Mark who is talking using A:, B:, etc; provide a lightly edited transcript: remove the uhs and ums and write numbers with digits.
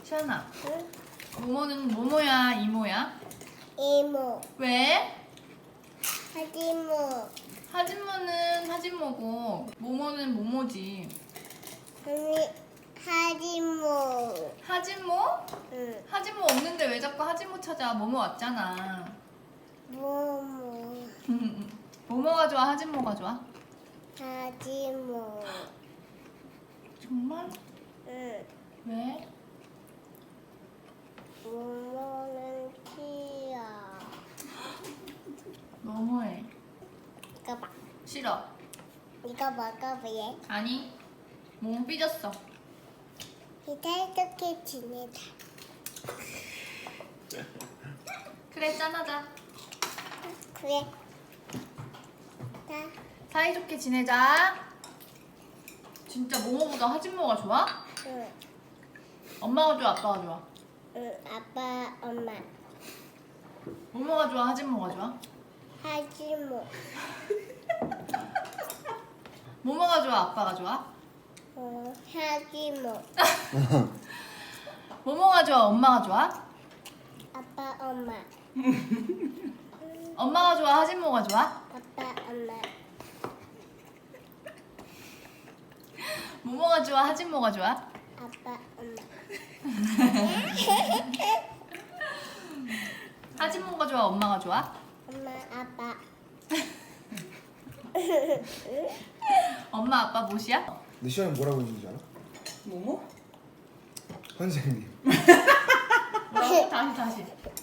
A: 시안아,
B: 응?
A: 모모는 모모야, 이모야?
B: 이모,
A: 왜?
B: 하지모,
A: 하진모는 하진모고 모모는 모모지.
B: 언니, 하지모.
A: 하진모?
B: 응,
A: 하진모 없는데 왜 자꾸 하진모 찾아? 모모 왔잖아.
B: 모모,
A: 모모가 좋아, 하진모가 좋아?
B: 하지모.
A: 정말?
B: 응,
A: 왜?
B: 모모는 귀여워.
A: 너무해.
B: 이거 봐,
A: 싫어.
B: 이거 먹어볼래?
A: 아니, 모모 삐졌어.
B: 이따 이렇게 지내자.
A: 그래, 짠하자.
B: 그래. 나,
A: 사이좋게 지내자. 진짜 모모보다 하진모가 좋아?
B: 응,
A: 엄마가 좋아, 아빠가 좋아?
B: 응, 아빠, 엄마,
A: 모모가 좋아, 하진모가 좋아?
B: 하지모.
A: 모모가 좋아, 아빠가 좋아?
B: 하지모.
A: 모모가 좋아, 엄마가 좋아?
B: 아빠, 엄마,
A: 엄마가 좋아, 하진모가 좋아?
B: 아빠, 엄마.
A: 모모가 좋아, 하진모가 좋아?
B: 아빠, 엄마.
A: 하진모가 좋아, 엄마가 좋아?
B: 엄마, 아빠.
A: 엄마, 아빠 못이야?
C: 내 시험에 뭐라고 했는지 알아?
D: 뭐뭐?
C: 선생님.
A: 뭐라고? 다시.